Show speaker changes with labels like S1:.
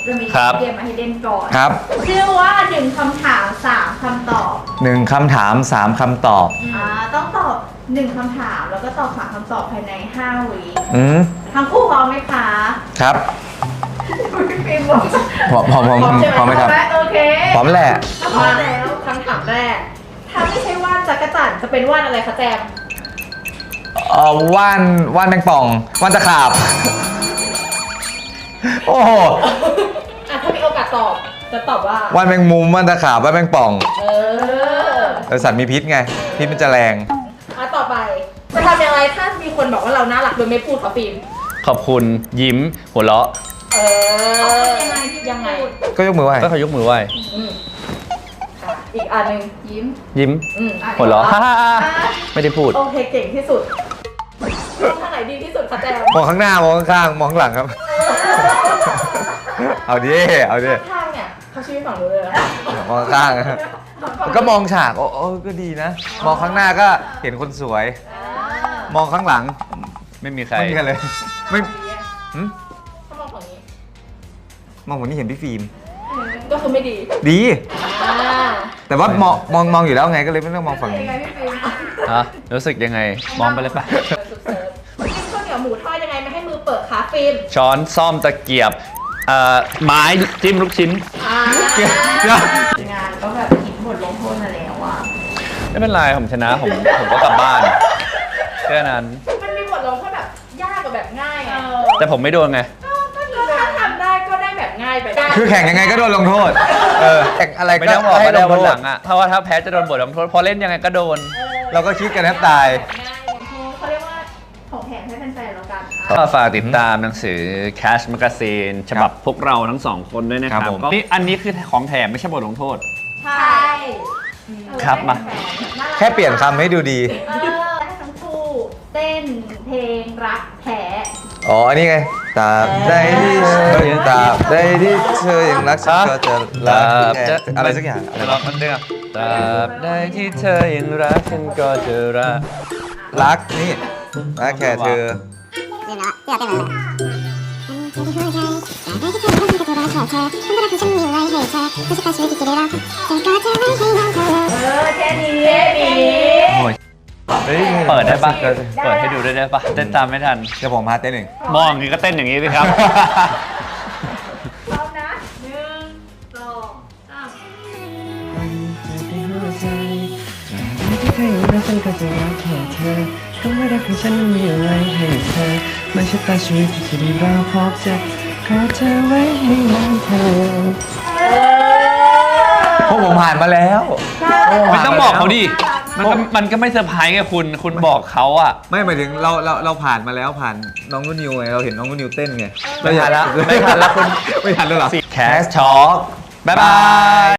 S1: จะมี
S2: ครับ
S1: เกมมาให้เล่นก่อน
S3: ครับ
S1: ชื่อว่า1 คำถาม 3 คำตอบ
S3: 1 คำถาม 3 คำตอบ
S1: ต้องตอบ1 คำถามแล้วก็ตอบ3 คำตอบภายใน5 วิ
S3: อืม
S1: ทั้งคู่พร้อมไหมคะ
S3: ครับ
S1: ฟิล์มบอก
S3: พร้อมไหมครับ
S1: โอเค
S3: พร้อมแหละ
S1: พร้อมแล้วคำถามแรก ถ้าไม่ใช่ว่านจักรจั่นจะเป็นว่านอะไรคะแจม
S3: ว่านแมงป่อง ว่านตะขาบ โอ้โห
S1: ถ้ามีโอกาสตอบจะตอบว่า
S3: ว่านแมงมุม ว่านตะขาบ ว่านแมงป่อง สัตว์มีพิษไง พิษมันจะแรง
S1: ต่อไปจะทำยังไงถ้ามีคนบอกว่าเราน่ารักโดยไม่พูดขอฟิล์ม
S2: ขอบคุณยิ้มหัวเราะ
S1: ยังไง
S3: ก็ยกมือไหว้
S2: ก็เขายกมือไหว้
S1: อีกอันหนึ่งยิ้ม
S2: ยิ้มหัวเราะฮ่าไม่ได้พูด
S1: โอเคเก่งที่สุดมองทางไหนดีที่สุดคะแจม
S3: มองข้างหน้ามองข้างๆมองข้างหลังครับ เอาดิ เอาดิ
S1: ข้างเนี่ยเขาชี้ฝั่งนู้นเลยนะ
S3: มองข้างๆก็มองฉากโอ้ก็ดีนะ มองข้างหน้าก็เห็นคนสวย มองข้างหลัง
S2: ไม่มีใคร
S3: ไม่มีใครเลย ไม่หึ
S1: ถ้ามองฝั่งนี้
S3: มองผมนี่เห็นพี่ฟิล์ม
S1: ก็คือไม่ดี
S3: ดี
S1: อ่า
S3: แต่ว่ามองอยู่แล้วไงก็เลยไม่ต้องมองฝั่งนี้
S1: ยังไงพี่ฟิล์ม
S2: ฮะรู้สึกยังไง มองไปเลยปะ
S1: กินข้าวเหนียวหมูทอดยังไงไม่ให้มือเปิดคะฟิล์ม
S2: ช้อนซ่อมตะเกียบไม้จิ้มลูกชิ้น
S1: งานก็แบบคิดบทลงโทษมาแล้วอ่ะ
S2: ไม่เป็นไรผมชนะผมก็กลับบ้านแค่นั้น
S1: มันมีบทลงโทษแบบยากกับแบบง่ายไง
S2: แต่ผมไม่โดนไง
S1: ก็ถ้าทำได้ก็ได้แบบง่ายไปได้
S3: คือแข่งยังไงก็โดนลงโทษ แข่งอะไร
S2: ไม่
S3: ก็
S2: ต้องบอก
S3: ให้
S2: ว่า
S3: ล
S2: ได้
S3: ง
S2: วัน
S3: โท
S2: ห
S3: ษ
S2: ลังอะถ้าว่าถ้าแพ้จะโดนบทลงโทษพอเล่นยังไงก็โดน
S3: เราก็คิดกันแทบตาย
S1: ง่ายเขาเรียกว่าของแถมให้แฟนๆแล้วกัน
S2: ก็ฝากติดตามหนังสือ Cash Magazine ฉบับพวกเราทั้งสองคนด้วยนะค
S3: ครั
S2: รับบ
S3: ผม
S2: ก็นี่อันนี้คือของแถมไม่ใช่บทลงโทษ
S1: ใช่
S2: ครับมา
S3: แค่เปลี่ยนคำให้ดูดี
S1: ให้ทั้งคู่เต้นเพลงรักแท้
S3: อ๋อ อันนี้ไงตราบใดที่เธอยังตราบใดที่เธอยังรักฉันก็จะรักแค่อะไรสักอย่างอะไร
S2: เรา
S3: วะ
S2: มันเดือดตราบใดที่เธอยังรักฉันก็จะรัก
S3: รักนี่รักแค่เธอ
S4: ลืมแล้วที่เราเต้นมาเลย
S1: แค่นี้
S2: โอ้ย
S3: เฮ้ย
S2: เปิดได้ปะเปิดให้ดูได้ปะเต้นตามไม่ทัน
S3: เดี๋ยวผมพาเต้นหนึ่ง
S2: มองอย่างนี้ก็เต้นอย่างนี้สิครับ
S1: พร้อมนะ1 2 3
S5: ที่เธออยู่รักฉันก็จะรักแค่เธอคำว่ารักของฉันมีอะไรให้เธอไม่ใช่ตาชีวิตที่จะได้รอพบเจอขอเธอไว้ให้นานเธอ
S3: พวกผมผ่านมาแล้ว
S2: ไม่ต้องบอกเขาดิ มันก็ไม่เซอร์ไพรส์ไงคุณบอกเขาอะ
S3: ไม่หมายถึงเราผ่านมาแล้วผ่านน้องนุ่นนิวไงเราเห็นน้องนุ่นนิวเต้นไง
S2: ไม่ทันแล้วคุณ
S3: ไม่ทันแล้วเหรอ
S2: Cash Talk บ๊ายบาย